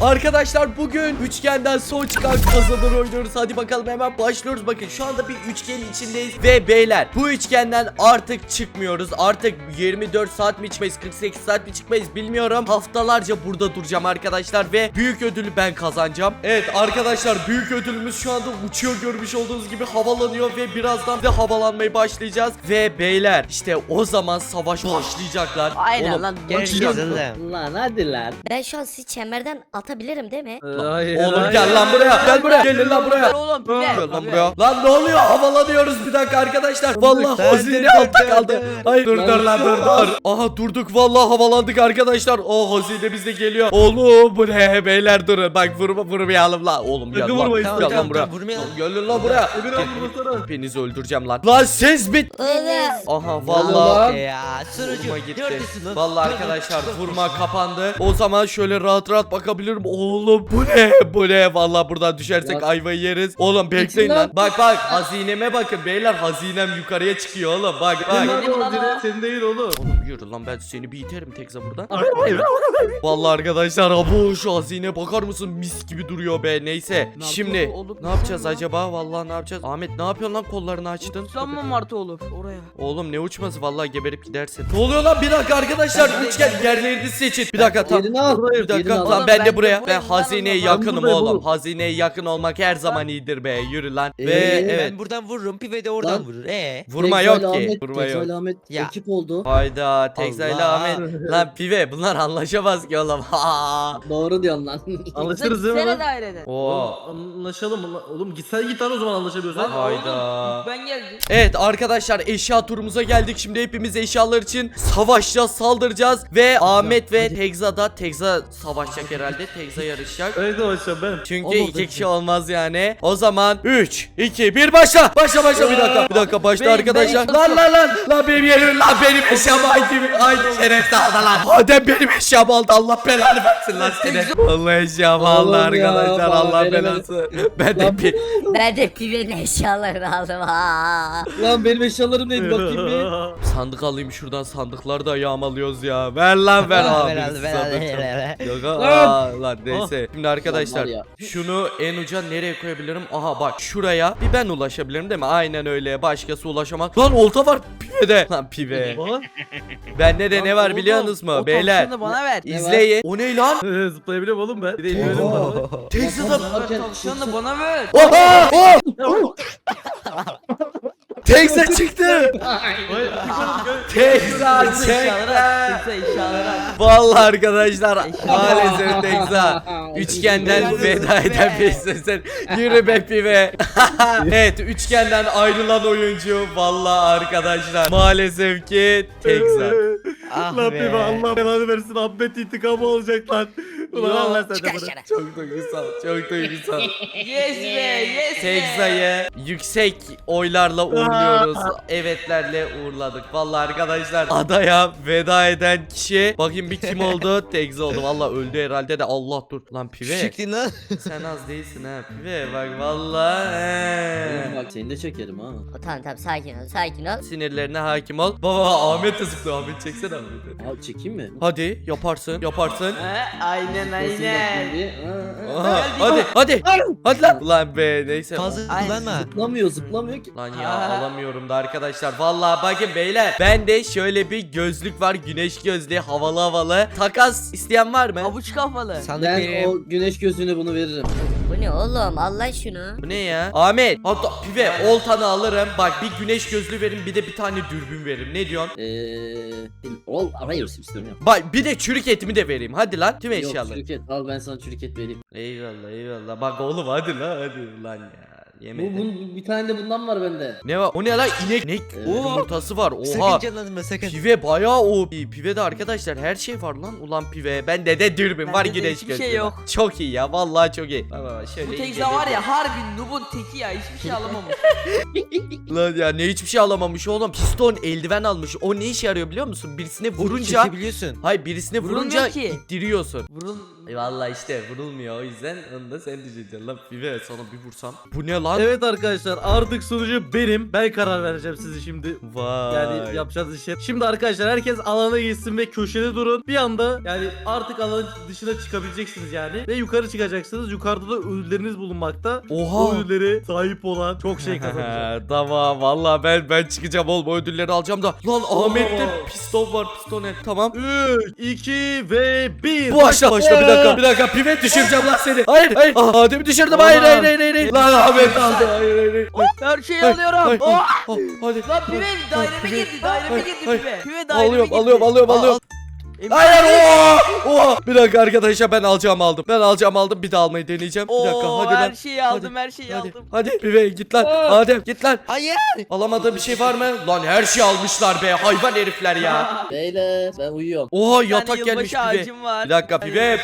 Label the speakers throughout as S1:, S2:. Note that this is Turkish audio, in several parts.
S1: Arkadaşlar bugün üçgenden son çıkan kazanır oynuyoruz. Hadi bakalım hemen başlıyoruz. Bakın şu anda bir üçgenin içindeyiz ve beyler bu üçgenden artık çıkmıyoruz. Artık 24 saat mi çıkmayız, 48 saat mi çıkmayız bilmiyorum. Haftalarca burada duracağım arkadaşlar ve büyük ödülü ben kazanacağım. Evet arkadaşlar, büyük ödülümüz şu anda uçuyor, görmüş olduğunuz gibi havalanıyor ve birazdan da havalanmaya başlayacağız. Ve beyler işte o zaman savaş başlayacaklar.
S2: Aynen
S1: Oğlum,
S2: lan.
S1: başlayacak.
S3: Lan hadi lan.
S4: Ben şu an sizi çemberden atabilirim değil mi?
S3: Hayır,
S1: Oğlum
S3: hayır.
S1: gel lan buraya. Gel buraya. Gelin lan buraya.
S2: Oğlum
S1: Gel lan buraya. Lan ne oluyor? Havalanıyoruz bir dakika arkadaşlar. Vallahi hazine altta kaldı. Hayır dur lan dur. Aha durduk vallahi, havalandık arkadaşlar. O hazine bizde geliyor. Oğlum bu ne beyler, durun. Bak vurmayalım lan. Oğlum gel lan.
S3: vurmayız,
S1: Gel lan
S3: tamam,
S1: buraya. Gelin lan buraya. Hepinizi öldüreceğim lan. Lan siz bit. Aha vallahi.
S3: Ya
S1: Vurma
S3: sürücü.
S1: gitti.
S3: Neredesin lan?
S1: Vallahi arkadaşlar vurma kapandı. O zaman şöyle rahat rahat bakabilirim. Oğlum bu ne? Bu ne? Vallahi buradan düşersek ayvayı yeriz. Oğlum bekleyin lan. Bak hazineme bakın beyler. Hazinem yukarıya çıkıyor oğlum. Bak.
S3: Senin değil oğlum.
S1: Oğlum yürü lan, ben seni bir iterim tekza buradan. Vallahi arkadaşlar bu şu hazine bakar mısın? Mis gibi duruyor be. Neyse. Şimdi ne yapacağız acaba? Vallahi ne yapacağız? Ahmet ne yapıyorsun lan, kollarını açtın?
S2: Uçlanma Martı olur oraya.
S1: Oğlum ne uçması, vallahi geberip gidersin. Ne oluyor lan? Bir dakika arkadaşlar, üçgen yerlerini seçin. Bir dakika tam.
S3: Yerini al.
S1: Bir dakika
S2: al.
S1: lan,
S2: Oğlum,
S1: ben
S2: ben
S1: de
S2: de
S1: buraya. Ben
S2: buradayım lan,
S1: hazineye
S2: ben
S1: yakınım
S3: buradayım
S1: oğlum.
S3: oğlum.
S1: Hazineye yakın olmak her zaman iyidir be. Yürü lan. Ve
S3: Evet.
S1: evet.
S5: Ben buradan vururum, Pive de oradan
S3: Lan.
S5: vurur.
S1: Vurma yok ki. Vurma yok.
S3: Tekzal Ahmet
S5: Ya.
S3: ekip oldu.
S1: Hayda, Tekza ile
S5: Allah.
S1: Ahmet. Lan pive, bunlar anlaşamaz ki oğlum. Ha.
S3: Doğru diyorsun lan.
S6: Anlaşırız değil mi
S2: Sene
S6: lan?
S2: daireden.
S1: Oo.
S6: Anlaşalım. Oğlum gitsen git lan, o zaman anlaşabiliyorsan.
S1: Hayda.
S2: Ben geldim.
S1: Evet arkadaşlar, eşya turumuza geldik. Şimdi hepimiz eşyalar için savaşacağız, saldıracağız. Ve Ahmet ve Tekza da, Tekza savaşacak herhalde. Tekza yarışacak.
S6: Evet savaşacağım ben.
S1: Çünkü
S3: Olmadı.
S1: iki kişi olmaz yani. O zaman 3, 2, 1 başla. Başla bir dakika başla arkadaşlar. Lan benim yerim, lan benim eşyamı aynı şerefsiz aldı lan. Adem benim eşyamı aldı, Allah belanı versin lan seni. Allah eşyamı aldı
S3: Oğlum ya,
S1: arkadaşlar,
S3: bana
S1: Allah
S3: veremedim.
S1: belası. Ben de
S3: Lan
S1: bir
S4: Ben de pivenin eşyalarını aldım. Ha.
S3: Lan benim eşyalarım neydi bakayım bir.
S1: sandık alayım şuradan, sandıkları da yağmalıyoruz ya. Ver lan ver abi. Yok lan neyse. Şimdi arkadaşlar
S3: Lan var ya.
S1: şunu en uca nereye koyabilirim? Aha bak şuraya bir ben ulaşabilirim değil mi? Aynen öyle, başkası ulaşamaz. Lan olta var pivede. Lan pive. Bende de ne var biliyorsunuz mu
S2: O
S1: beyler?
S2: tavşanı bana ver.
S1: İzleyin. O ne lan?
S6: Zıplayabiliyorum oğlum ben. Bir de inmedim var.
S1: Tekza da.
S2: Tavşanı bana ver.
S1: Oha! Oh! Tekza çıktı. Tekza çıktı.
S2: Eşyaları.
S1: Vallahi arkadaşlar maalesef Tekza üçgenden veda eden bir sen. Yürü be pive. Evet, üçgenden ayrılan oyuncu vallahi arkadaşlar maalesef ki Tekza.
S5: Ah
S6: Lan
S5: be.
S6: bir Allah belanı versin. Ahmet intikamı olacak lan. Ulan Allah sen de
S4: Çıkar
S6: bana.
S4: dışarı.
S1: Çok duygusal, çok duygusal.
S2: Yes be, yes be.
S1: Tekza'yı yüksek oylarla uğurluyoruz. Evetlerle uğurladık. Vallahi arkadaşlar adaya veda eden kişi, bakayım bir kim oldu? Tekza oldu. Vallahi öldü herhalde de. Allah dur. Lan pive.
S5: Çıktın lan.
S1: Sen az değilsin ha pive. Bak vallahi.
S3: Bak seni de çekerim ha.
S4: Tamam sakin ol.
S1: Sinirlerine hakim ol. Baba Ahmet de sıktı. Ahmet çeksene Ahmet'i.
S3: Abi çekeyim mi?
S1: Hadi yaparsın.
S2: Aynen
S3: Basın bakayım
S2: aynen.
S3: bir.
S1: Aha, hadi. Hadi lan. Ulan be neyse.
S5: Fazla
S2: Ay.
S5: kullanma.
S3: Zıplamıyor ki.
S1: Lan ya alamıyorum da arkadaşlar. Vallahi bakın beyler. Bende şöyle bir gözlük var. Güneş gözlüğü, havalı. Takas isteyen var mı?
S2: Avuç kafalı.
S5: Sandık
S3: Ben
S5: benim.
S3: o güneş gözlüğüne bunu veririm.
S4: Bu ne oğlum, Allah şunu.
S1: Bu ne ya? Ahmet hatta pive oltanı alırım. Bak bir güneş gözlüğü verin, bir de bir tane dürbün verin. Ne diyorsun?
S3: Hayır istiyorum ya.
S1: Bak bir de çürük etimi de vereyim. Hadi lan tüm
S3: Yok
S1: eşyaları.
S3: çürük et. Al ben sana çürük et vereyim.
S1: Eyvallah. Bak oğlum hadi lan ya. Yemedim.
S3: Bir tane de bundan var bende.
S1: Ne var? O ne lan? İnek yumurtası var. Oha.
S5: Sakın canlanma sakın.
S1: Pive bayağı o. Pive de arkadaşlar her şey var lan. Ulan pive. Bende de dürbün var,
S2: Bende de
S1: güneş
S2: hiçbir
S1: gözlüğü
S2: şey
S1: var.
S2: yok.
S1: Çok iyi ya. Vallahi çok iyi. Baba şöyle
S2: Bu
S1: iyi
S2: Tekza var
S1: geliyor.
S2: ya harbi noob'un teki ya, hiçbir şey alamamış.
S1: Lan ya ne hiçbir şey alamamış oğlum. Piston eldiven almış. O ne işe yarıyor biliyor musun? Birisine vurunca.
S5: Çekebiliyorsun.
S1: Hayır, birisine
S2: Vurulmuyor
S1: vurunca
S2: ki.
S1: ittiriyorsun. Vallahi işte vurulmuyor, o yüzden onu da sen düşeceksin lan. Pive sana bir vursam. Bu ne lan?
S6: Evet arkadaşlar, artık sunucu benim. Ben karar vereceğim sizi şimdi.
S1: Vay.
S6: Yani yapacağınız işe. Şimdi arkadaşlar herkes alana gitsin ve köşede durun. Bir anda yani artık alanın dışına çıkabileceksiniz yani. Ve yukarı çıkacaksınız. Yukarıda da ödülleriniz bulunmakta.
S1: Oha.
S6: O ödüllere sahip olan çok şey kazanacak.
S1: Tamam vallahi ben çıkacağım oğlum, o ödülleri alacağım da. Lan Ahmet'te piston var, pistonet. Tamam.
S6: 3, 2 ve 1.
S1: Başla bir dakika Pive düşüreceğim lan seni. Hayır. Adem'i düşürdüm. Hayır. Lan Ahmet aldı. Hayır.
S2: Her şeyi
S1: Hayır,
S2: alıyorum.
S1: hayır,
S2: Oh!
S1: Hadi.
S2: Lan pive daireme
S1: Pive,
S2: girdi. Daireme
S1: hayır,
S2: girdi
S1: hayır.
S2: pive. Pive daireme girdi.
S1: Alıyorum.
S2: Emre-
S1: Hayır. Bir dakika arkadaşlar, ben alacağımı aldım. Bir daha almayı deneyeceğim. Bir dakika
S2: Oo,
S1: hadi
S2: her
S1: lan.
S2: şeyi aldım, her şeyi aldım.
S1: Hadi Pive git lan. Adem git lan.
S5: Hayır.
S1: Alamadığın bir şey var mı? Lan her şeyi almışlar be, hayvan herifler ya.
S3: Beyler ben uyuyorum.
S1: Oha
S2: Bir tane
S1: yatak gelmiş
S2: yılbaşı
S1: Pive.
S2: ağacım var.
S1: Bir dakika Pive.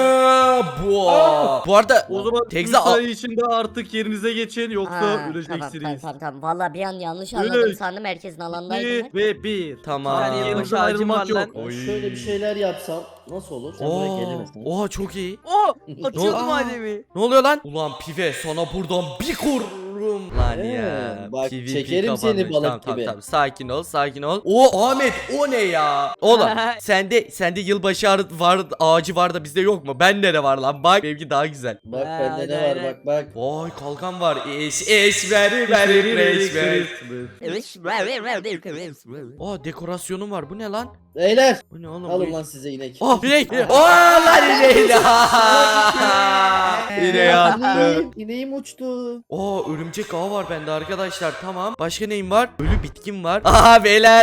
S1: Bu arada
S6: O zaman
S1: Tekza
S6: 3 saniye içinde artık yerinize geçin, yoksa
S4: Tamam
S6: öleceksiniz.
S4: tamam. Valla bir an yanlış anladım
S6: Öyle.
S4: sandım, herkesin alandaydım.
S6: 2 ve 1.
S1: Tamam.
S2: Yani yılbaşı
S6: Yanınızdan
S2: ağacım
S6: ayrılmak
S2: var
S6: yok.
S2: lan.
S3: Ben
S1: Oy.
S3: şöyle bir şeyler yapsam nasıl olur? Sen buraya gelemezsin.
S1: Oha çok iyi.
S2: Oh! Atıyordum
S1: Aa.
S2: Adem'i.
S1: Ne oluyor lan? Ulan Pive sana buradan bir kururum. Lan ya.
S3: Bak,
S1: PvP
S3: çekerim seni
S1: kapanmış.
S3: balık
S1: Tamam,
S3: gibi.
S1: Tamam. Sakin ol. O Ahmet, o ne ya? Oğlum sende yılbaşı ağacı var da bizde yok mu? Bende de var lan. Bak benimki daha güzel.
S3: Bak
S2: Ha,
S3: bende ne
S2: aynen.
S3: var bak.
S1: Vay kalkan var. Eş ver. Aa dekorasyonum var. Bu ne lan?
S3: Beyler
S1: Bu ne oğlum?
S3: alın lan size inek.
S1: Ah inek. Aa lan ineği. İneği attı.
S3: İneğim uçtu.
S1: Oo örümcek ağı var bende arkadaşlar, tamam. Başka neyim var? Ölü bitkim var. Aha beyler.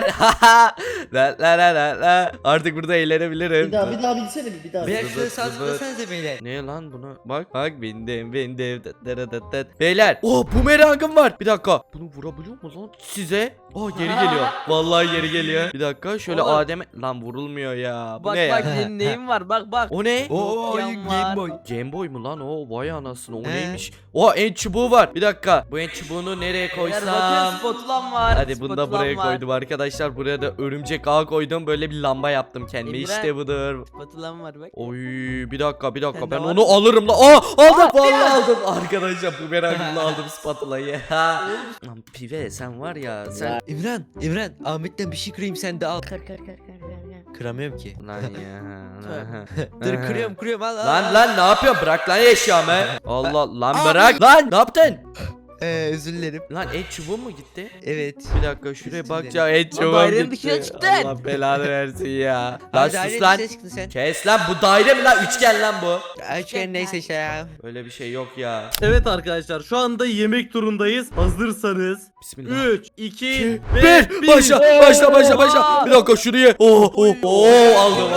S1: la. Artık burada eğlenebilirim.
S3: Bir daha bilsene bir daha.
S5: Beyler
S1: Zıbıt,
S5: şuraya sağ
S1: zıbıt.
S5: tıklasanıza beyler.
S1: Ne lan bunu? Bak bindim. Beyler. Oh bumerangım var. Bir dakika. Bunu vurabiliyor mu lan size? Oh geri geliyor. Vallahi geri geliyor. Bir dakika şöyle
S2: Oğlum.
S1: Adem'e. Lan vurulmuyor ya. Bu
S2: Bak
S1: ne ya?
S2: senin neyin var bak.
S1: O ne?
S5: Oo
S2: Yan var.
S5: Game Boy.
S1: Game Boy mu lan o? Vay anasını, o
S5: He.
S1: neymiş? O en çubuğu var. Bir dakika. Bu en çubuğunu nereye
S2: Beyler bakın
S1: koysam?
S2: spatulam var.
S1: Hadi bunu da
S2: spatulam
S1: buraya
S2: var.
S1: koydum arkadaşlar. Buraya da örümcek ağ koydum. Böyle bir lamba yaptım kendime.
S2: İmran.
S1: İşte budur.
S2: Spatulam var bak.
S1: Oy bir dakika
S2: Sende
S1: ben
S2: var
S1: onu
S2: mı?
S1: alırım la. Aa aldım vallahi aldım. Arkadaşlar bu merakımla aldım spatulayı. Lan Pive sen var ya sen.
S5: İmran Ahmet'ten bir şey kırayım sen de al.
S4: Kır.
S5: Kıramıyorum ki.
S1: Lan ya.
S5: Dur kırıyorum al.
S1: Lan ne yapıyorsun? Bırak lan eşyamı. Allah lan bırak. Lan ne yaptın?
S5: Özür dilerim.
S1: Lan et çubuğu mu gitti?
S5: Evet.
S1: Bir dakika şuraya
S5: Üstünden.
S1: bakacağım. Et çubuğu
S2: dairenin
S1: gitti.
S2: dışına çıktın.
S1: Allah belanı versin ya. Lan
S5: Hadi
S1: sus
S5: ailenin
S1: lan.
S5: dışına çıktın sen.
S1: Kes lan, bu daire mi lan? Üçgen lan bu.
S5: Açken neyse işte ya.
S1: Öyle bir şey yok ya.
S6: Evet arkadaşlar, şu anda yemek turundayız. Hazırsanız
S1: Bismillah.
S6: 3, 2
S1: Bir.
S6: ve 1.
S1: Başla. Bir dakika şuraya. Aldım.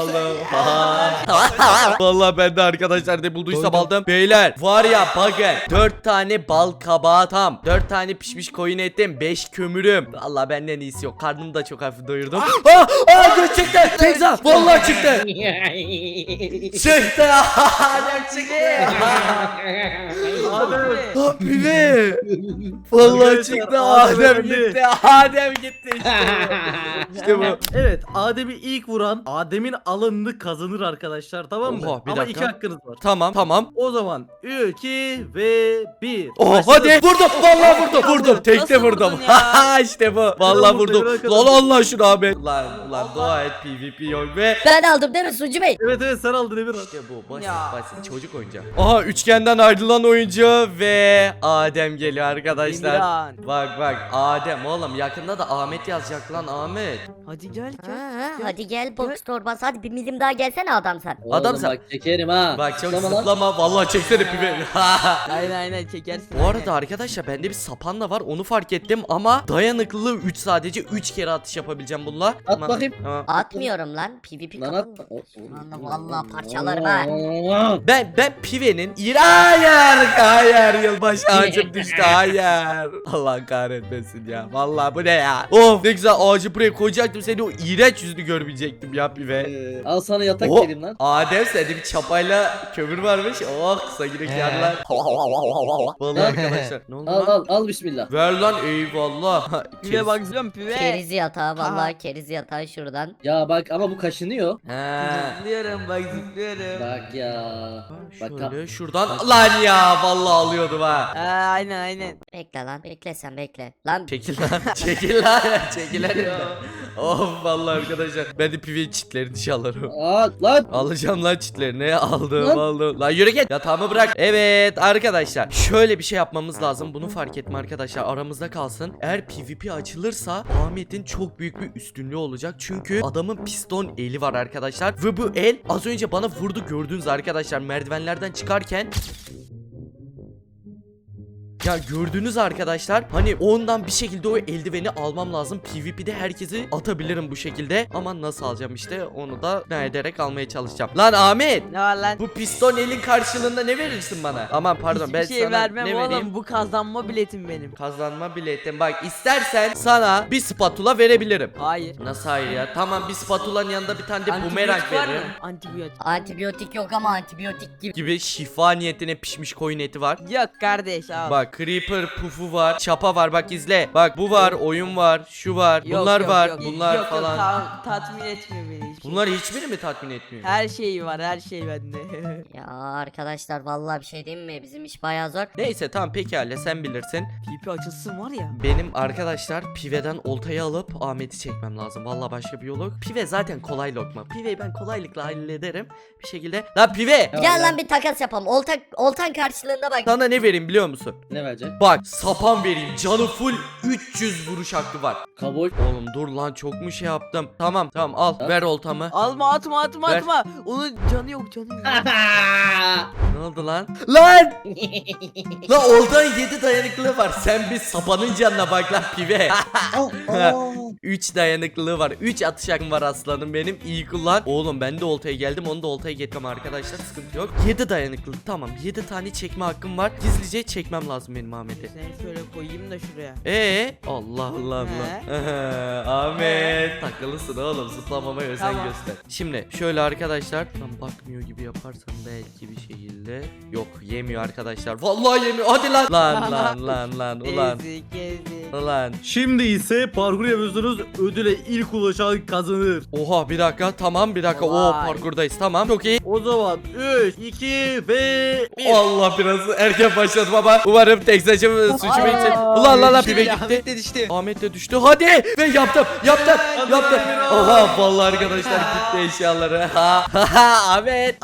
S1: Vallahi ben de arkadaşlar ne bulduysam aldım. Beyler var ya bakın. 4 tane bal kabağı tam. 4 tane pişmiş koyun etim. 5 kömürüm. Vallahi benden iyisi yok. Karnımı da çok hafif doyurdum. Göz çıktı. Tekza. Vallahi çıktı. Çıktı. çıktı. Pive. Vallahi
S6: Arkadaşlar,
S1: çıktı.
S6: Adem
S1: Adem gitti. İşte bu.
S6: Evet, Adem'i ilk vuran Adem'in alanını kazanır arkadaşlar, tamam mı?
S1: Oha, bir
S6: Ama
S1: dakika.
S6: 2 hakkınız var.
S1: Tamam.
S6: O zaman 3, 2 ve 1.
S1: Hadi vurdum. Vallahi vurdum. Tekte
S2: Nasıl
S1: vurdum.
S2: vurdun ya?
S1: İşte bu. Vallahi
S6: vurdu,
S1: vurdum.
S6: bırak
S1: Lan
S6: adam.
S1: Allah şunu abi. Lan dua et PvP yok ve
S4: Ben aldım değil mi Sucu Bey?
S6: Evet sen aldın Emirhan.
S1: İşte bu
S2: Ya.
S1: basit çocuk oyuncağı. Aha üçgenden ayrılan oyuncu ve Adem geliyor arkadaşlar.
S2: İmran.
S1: Bak Adem oğlum, yakında da Ahmet yazacak lan Ahmet.
S2: Hadi gel.
S4: Hadi gel box torbası, hadi bir milim daha gelsene adam sen.
S1: Adam
S3: Oğlum
S1: sen-
S3: bak çekerim ha.
S1: Bak çok
S3: Zıplama lan.
S1: zıplama vallahi çeksene pibe.
S2: Aynen çekersin.
S1: Bu arada arkadaşlar bende bir sapan da var, onu fark ettim ama dayanıklılığı 3, sadece 3 kere atış yapabileceğim bununla.
S3: At bakayım.
S1: Tamam.
S4: Atmıyorum lan, PvP
S3: Lan
S4: kapalı.
S3: at.
S4: Vallahi parçalarım ha.
S1: Ben Pive'nin hayır yılbaşı ağacım düştü, hayır. Allah kahretmesin ya, vallahi bu ne ya. Of ne güzel ağacı buraya koyacaktım, seni o iğrenç yüzünü görmeyecektim ya Pive.
S3: Al sana yatak
S1: Oh,
S3: vereyim lan.
S1: Adem sende bir çapayla kömür varmış. Oh kısa yürek yarlar. Vallahi arkadaşlar arkadaşlar. Ne oldu
S3: Al
S1: lan?
S3: al bismillah.
S1: Ver lan eyvallah.
S2: Pive bak zıplıyorum pive.
S4: Keriz yatağı vallahi keriz yatağı şuradan.
S3: Ya bak ama bu kaşınıyor.
S1: He.
S2: Zıplıyorum bak zıplıyorum.
S3: Bak ya. Bak
S1: Şöyle şuradan lan ya vallahi alıyordum ha.
S2: Aynen.
S4: Bekle lan bekle sen bekle. Lan
S1: Çekil lan. Çekil lan. Çekil lan. Of vallahi arkadaşlar. Ben de pive çitlerini çalarım.
S3: Lan.
S1: Alacağım lan çitlerini. Aldım
S3: Lan.
S1: aldım. Lan yürü git. Yatağımı bırak. Evet arkadaşlar. Şöyle bir şey yapmamız lazım. Bunu fark etme arkadaşlar. Aramızda kalsın. Eğer PvP açılırsa Ahmet'in çok büyük bir üstünlüğü olacak. Çünkü adamın piston eli var arkadaşlar. Ve bu el az önce bana vurdu gördünüz arkadaşlar. Merdivenlerden çıkarken. Ya gördünüz arkadaşlar hani ondan bir şekilde o eldiveni almam lazım. PvP'de herkesi atabilirim bu şekilde. Ama nasıl alacağım işte onu da ne ederek almaya çalışacağım. Lan Ahmet,
S2: Ne var lan?
S1: bu piston elin karşılığında ne verirsin bana? Aman pardon
S2: Hiçbir
S1: ben
S2: şey
S1: sana
S2: vermem
S1: ne
S2: oğlum.
S1: vereyim?
S2: Bu kazanma biletim benim.
S1: Kazanma biletim. Bak istersen sana bir spatula verebilirim.
S2: Hayır.
S1: Nasıl hayır ya? Tamam bir spatulanın yanında bir tane de bumerang
S2: Antibiyotik var mı?
S1: veririm.
S2: Antibiyotik.
S4: antibiyotik yok ama antibiyotik
S1: Gibi şifa niyetine pişmiş koyun eti var.
S2: Yok kardeş al.
S1: Bak Creeper pufu var, çapa var bak izle. Bak bu var, oyun var, şu var,
S2: Yok,
S1: bunlar
S2: yok,
S1: var,
S2: yok.
S1: bunlar
S2: Yok,
S1: falan.
S2: tatmin etmiyor beni hiç.
S1: Bunlar hiçbiri mi tatmin etmiyor?
S2: Her şey var her şey bende.
S4: Ya arkadaşlar vallahi bir şey diyeyim mi? Bizim iş bayağı zor.
S1: Neyse tamam pekala sen bilirsin.
S2: Pipi açılsın var ya.
S1: Benim arkadaşlar Pive'den oltayı alıp Ahmet'i çekmem lazım. Vallahi başka bir yolu yok. Pive zaten kolay lokma. Pive'yi ben kolaylıkla hallederim bir şekilde. Lan Pive!
S4: Gel lan bir takas yapalım. Oltan karşılığında bak.
S1: Sana ne vereyim biliyor musun?
S3: Ne verecek?
S1: Bak sapan vereyim. Canı full 300 vuruş hakkı var.
S3: Kabul.
S1: Oğlum dur lan çok mu şey yaptım? Tamam al
S3: Ha?
S1: ver oltamı.
S2: Atma
S1: Ver.
S2: atma. Onun canı yok.
S1: Ne oldu lan? Lan! Lan oltanın 7 dayanıklılığı var. Sen bir sapanın canına bak lan Pive. 3 dayanıklılığı var. 3 atış hakkım var aslanım benim. İyi kullan. Oğlum ben de oltaya geldim. Onu da oltaya getirmem arkadaşlar. Sıkıntı yok. 7 dayanıklılık. Tamam. 7 tane çekme hakkım var. Gizlice çekmem lazım benim Ahmet'i.
S2: Seni şöyle koyayım da şuraya.
S1: Allah Allah Allah. Ahmet takılısın oğlum. Zıplamama özen
S2: Tamam.
S1: göster. Şimdi şöyle arkadaşlar. Tam bakmıyor gibi yaparsam belki bir şekilde. Yok yemiyor arkadaşlar. Vallahi yemiyor. Hadi lan. Lan. Ulan.
S2: Ezik.
S1: Ulan.
S6: Şimdi ise parkur yapıyorsunuz. Ödüle ilk ulaşan kazanır.
S1: Oha bir dakika tamam bir dakika.
S2: Vay.
S1: Parkurdayız tamam. Çok iyi.
S6: O zaman 3, 2 ve 1.
S1: Allah biraz erken başladım ama umarım tek saçım suçumu
S2: Ay.
S1: için. Ulan pive gitti.
S5: Ahmet de düştü.
S1: Ahmet de düştü. Hadi ve yaptım. Oha vallahi arkadaşlar gitti eşyaları. Ahmet.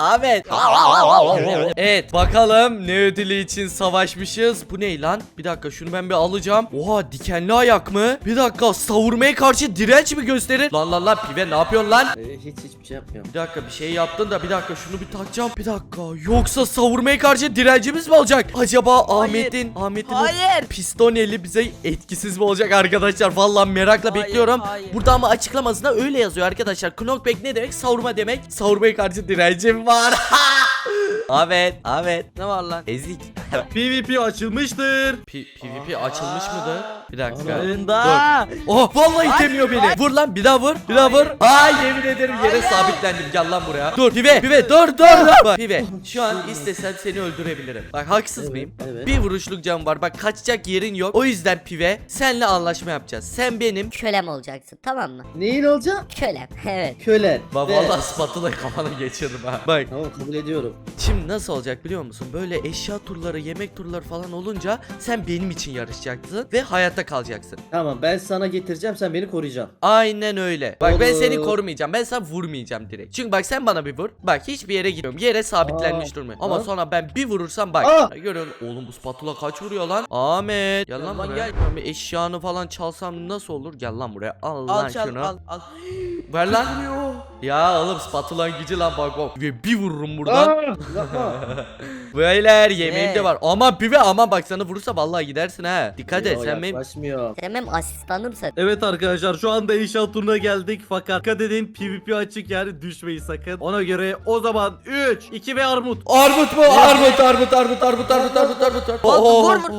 S1: Evet bakalım ne ödülü için savaşmışız. Bu ne lan? Bir dakika şunu ben bir alacağım. Oha dikenli ayak mı? Bir dakika savurmaya karşı direnç mi gösterir? Lan pive ne yapıyorsun lan?
S3: Hiçbir şey yapmıyorum.
S1: Bir dakika bir şey yaptın da bir dakika şunu bir takacağım. Bir dakika yoksa savurmaya karşı direncimiz mi olacak? Acaba Ahmet'in o
S2: Hayır.
S1: piston eli bize etkisiz mi olacak arkadaşlar? Vallahi merakla
S2: Hayır,
S1: bekliyorum.
S2: hayır.
S1: Burada ama açıklamasında öyle yazıyor arkadaşlar. Knockback ne demek? Savurma demek. Savurmaya karşı direncim var. Ahmet.
S2: Ne var lan?
S1: Ezik.
S6: PvP açılmıştır.
S1: PvP açılmış mıdır? Bir dakika.
S2: Önda.
S1: Oh vallahi itemiyor beni. Vur lan bir daha vur. Bir daha vur. Ay yemin ederim yere
S2: Hayır.
S1: sabitlendim. Gel lan buraya. Dur pive dur. Bak pive şu an istesem seni öldürebilirim. Bak haksız mıyım?
S3: Evet.
S1: Bir vuruşluk canım var. Bak kaçacak yerin yok. O yüzden pive senle anlaşma yapacağız. Sen benim
S4: Kölem olacaksın tamam mı?
S3: Neyin olacak?
S4: Kölem evet.
S3: Kölen.
S1: Bak
S3: Ve-
S1: vallahi spatula kafana geçirdim ha. Bak
S3: Tamam kabul ediyorum.
S1: şimdi nasıl olacak biliyor musun? Böyle eşya turları, yemek turları falan olunca sen benim için yarışacaksın ve hayatta kalacaksın.
S3: Tamam ben sana getireceğim sen beni koruyacaksın.
S1: Aynen öyle. Bak ben
S3: Olur.
S1: seni korumayacağım. Ben sana vurmayacağım direkt. Çünkü bak sen bana bir vur. Bak hiçbir yere gitmiyorum. Yere sabitlenmiş durmuyor. Ama
S3: Aa.
S1: sonra ben bir vurursam bak.
S3: Aa.
S1: Görüyorsun. Oğlum bu spatula kaç vuruyor lan? Ahmet. Gel lan
S2: Lan
S1: buraya.
S2: gel.
S1: Ben bir eşyanı falan çalsam nasıl olur? Gel lan buraya. Al lan
S2: Al çal
S1: şunu.
S2: al.
S1: Ver lan. Ya oğlum spatulanın gücü lan bak. Ve bir vururum buradan.
S3: Yapma.
S1: Beyler yemeğim de
S2: Ne?
S1: var. Aman pive aman bak sana vurursa vallahi gidersin ha. Dikkat et
S3: Yo,
S1: sen benim.
S3: yaklaşmıyor.
S4: Sen benim asistanımsın.
S6: Evet arkadaşlar şu anda inşaat turuna geldik fakat dikkat edin PvP açık yani düşmeyin sakın. Ona göre o zaman 3, 2 ve armut.
S1: Armut mu? Armut.
S2: Vur, vur.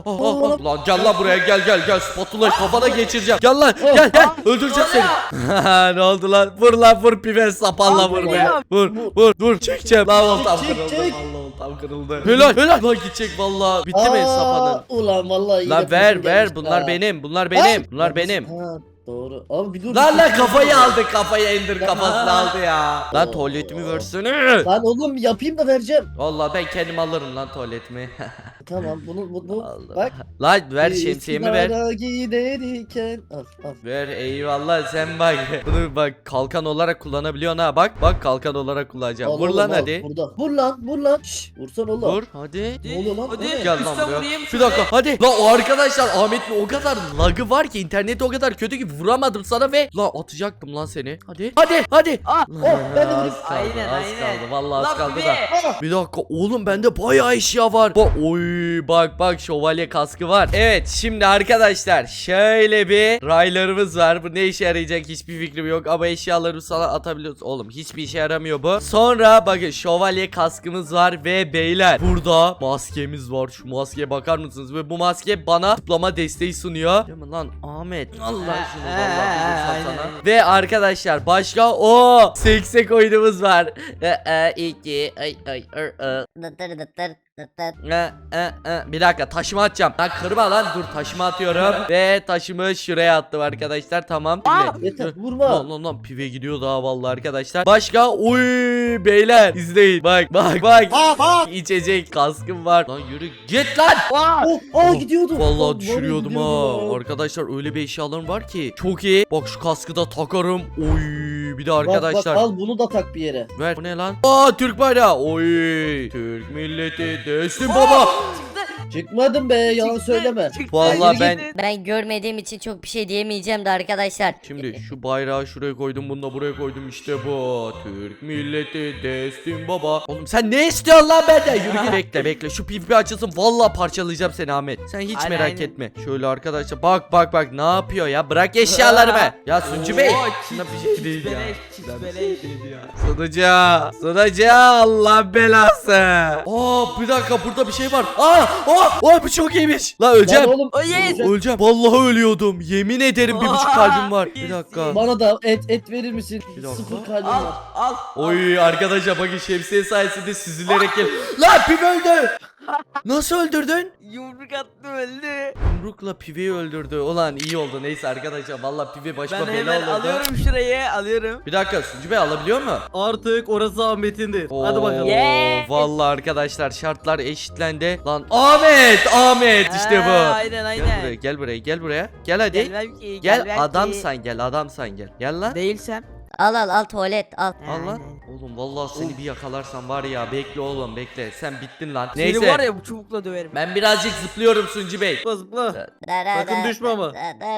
S1: Lan gel lan buraya gel spatula kafana geçireceğim. Gel lan gel öldüreceğim seni. Ne oldu lan? Vur lan vur pive sapanla vur be. Vur çekeceğim. Lan oltam kırıldı. Vallahi oltam kırıldı. Helal. Lan gidecek vallahi. Bitti mi sapanın?
S3: Ulan vallahi iyi
S1: Lan
S3: yapıyorsun
S1: ver
S3: gelmiş.
S1: bunlar
S3: Ha.
S1: benim. Bunlar benim.
S3: Ha, doğru. Abi bir dur.
S1: Lan kafayı aldı kafayı Ender kafasını aldı ya. Lan tuvaletimi versene.
S3: Lan oğlum yapayım da vereceğim.
S1: Vallahi ben kendim alırım lan tuvaletimi.
S3: Tamam bu
S1: Allah.
S3: bak.
S1: Lan ver şemsiyemi ver.
S3: Üsküdar'a giderken al.
S1: Ver eyvallah sen bak. Bunu bak kalkan olarak kullanabiliyorsun ha bak. Bak kalkan olarak kullanacağım.
S3: Al
S1: Vur
S3: oğlum,
S1: lan
S3: al.
S1: hadi.
S3: Burada. Vur lan. Şşş vursan oğlum.
S1: Vur hadi.
S3: Ne oluyor lan?
S2: Hadi.
S1: Gel lan
S2: Üstten
S1: buraya.
S2: vurayım
S1: Bir
S2: şöyle.
S1: dakika hadi. Lan o arkadaşlar Ahmet'in o kadar lagı var ki interneti o kadar kötü ki vuramadım sana ve lan atacaktım lan seni. Hadi.
S2: Ah.
S1: Lan,
S3: ben de vurayım.
S1: az kaldı,
S2: Aynen,
S1: az
S2: aynen.
S1: kaldı. Vallahi az
S2: Lan
S1: kaldı
S2: bir
S1: da.
S2: de.
S1: Bir dakika oğlum bende bayağı eşya var. Oy bak şövalye kaskı var. Evet şimdi arkadaşlar şöyle bir raylarımız var. Bu ne işe yarayacak hiçbir fikrim yok ama eşyaları sana atabiliyoruz. Oğlum hiçbir işe yaramıyor bu. Sonra bakın şövalye kaskımız var ve beyler burada maskemiz var. Şu maskeye bakar mısınız? Ve bu maske bana zıplama desteği sunuyor. Değil mi lan Ahmet? Allah şunu vallahi bir vursam sana. Ve arkadaşlar başka o seksek oyunumuz var. İki bir dakika taşımı atacağım. Lan kırma lan dur taşımı atıyorum. Ve taşımı şuraya attım arkadaşlar. Tamam. Dinle.
S3: Yeter vurma.
S1: Lan pive gidiyor daha vallahi arkadaşlar. Başka uy beyler izleyin. Bak. İçecek kaskım var. Lan yürü git lan.
S3: Gidiyordu.
S1: Vallahi düşürüyordum ha. Arkadaşlar öyle bir eşyalarım var ki. Çok iyi. Bak şu kaskı da takarım. Oy bir de arkadaşlar.
S3: Bak al bunu da tak bir yere.
S1: Ver. Bu ne lan? Türk bayrağı. Oy. Türk milleti destin baba.
S3: Çıkmadım be yalan söyleme.
S1: Vallahi
S3: Yürü
S1: ben
S4: Ben görmediğim için çok bir şey diyemeyeceğim de arkadaşlar.
S1: şimdi şu bayrağı şuraya koydum, bunu da buraya koydum, işte bu. Türk milleti destin baba. Oğlum sen ne istiyorsun lan benden? Yürü git. Bekle şu pipi açılsın, vallahi parçalayacağım seni Ahmet. Sen hiç
S2: Aynen,
S1: merak
S2: aynen.
S1: etme. Şöyle arkadaşlar bak ne yapıyor ya? Bırak eşyalarımı. Ya Suncu Bey. Şuna bir şey değil ya. Sunucu Allah belası. Bir dakika burada bir şey var. Bu çok iyiymiş. La öleceğim.
S3: Lan oğlum.
S1: Öleceğim. Vallahi ölüyordum. Yemin ederim 1,5 kalbim var. Bir dakika.
S3: Bana da et verir misin?
S1: Bir dakika.
S3: 0 kalbim var.
S2: Al.
S1: Oy arkadaşlar bakın şemsiye sayesinde süzülerek gel. Lan Pive öldü. Nasıl öldürdün?
S2: Yumruk attı öldü.
S1: Yumrukla Pive'yi öldürdü. Ulan iyi oldu. Neyse arkadaşlar vallahi Pive başıma
S2: Ben
S1: bela
S2: hemen
S1: olurdu.
S2: alıyorum şurayı alıyorum.
S1: Bir dakika Suncu Bey alabiliyor mu?
S6: Artık orası Ahmet'indir. Hadi bakalım.
S2: Yes.
S1: Vallahi arkadaşlar şartlar eşitlendi. Lan Ahmet işte bu.
S2: Aynen.
S1: Gel buraya. Gel hadi.
S2: Gelmem ki.
S1: Gel
S2: gelmem
S1: adamsan
S2: ki.
S1: gel. Gel lan.
S2: Değilsem.
S4: Al tuvalet al.
S1: Al lan. Oğlum vallahi seni bir yakalarsam var ya, bekle oğlum bekle. Sen bittin lan.
S2: Seni
S1: Neyse.
S2: var ya bu çubukla döverim.
S1: Ben birazcık zıplıyorum Suncu Bey.
S6: Zıpla zıpla. Sakın düşme ama.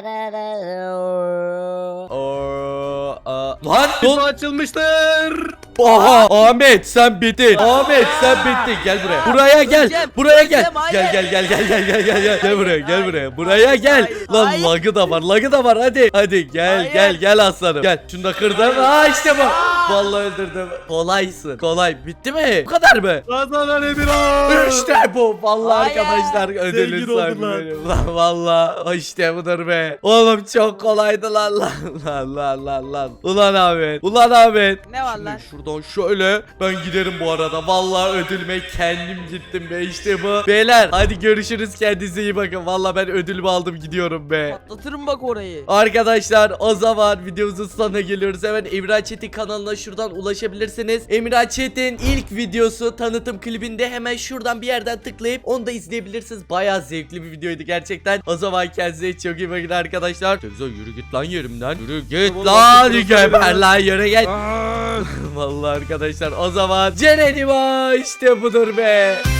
S1: Lan
S6: Kapı açılmıştır.
S1: Aha Ahmet sen bittin. Gel buraya. Buraya gel.
S2: Öleceğim,
S1: Buraya gel.
S2: öleceğim, hayır.
S1: Gel buraya. Buraya gel.
S2: Hayır,
S1: Lan
S2: hayır.
S1: lagı da var. Hadi
S2: Hayır.
S1: gel aslanım. Gel. Şunu da kırdım. İşte bu. Vallahi öldürdüm. Kolaysın. Kolay. Bitti mi? Bu kadar mı?
S6: Kazanan Emirhan.
S1: İşte bu. Vallahi
S2: Hayır.
S1: arkadaşlar ödülün
S6: Zengin oldun
S1: sahibi
S6: lan.
S1: benim. Lan vallahi işte budur be. Oğlum çok kolaydı lan. Ulan Ahmet.
S2: Ne var
S1: Şimdi
S2: lan?
S1: şuradan şöyle ben giderim bu arada. Vallahi ödülüme kendim gittim be, işte bu. Beyler hadi görüşürüz, kendinize iyi bakın. Vallahi ben ödülümü aldım, gidiyorum be.
S2: Patlatırım bak orayı.
S1: Arkadaşlar o zaman videomuzun sonuna geliyoruz. Hemen Emirhan Çetin kanalına şuradan ulaşabilirsiniz. Emirhan Çetin ilk videosu tanıtım klibinde hemen şuradan bir yerden tıklayıp onu da izleyebilirsiniz. Bayağı zevkli bir videoydu gerçekten. O zaman kendinize çok iyi bakın arkadaşlar. Güzel, yürü git lan yerimden. Yürü git
S6: Tamam,
S1: lan.
S6: artık
S1: Geber lan, yürü git.
S6: Aa!
S1: Vallahi arkadaşlar o zaman Ceren'im işte budur be.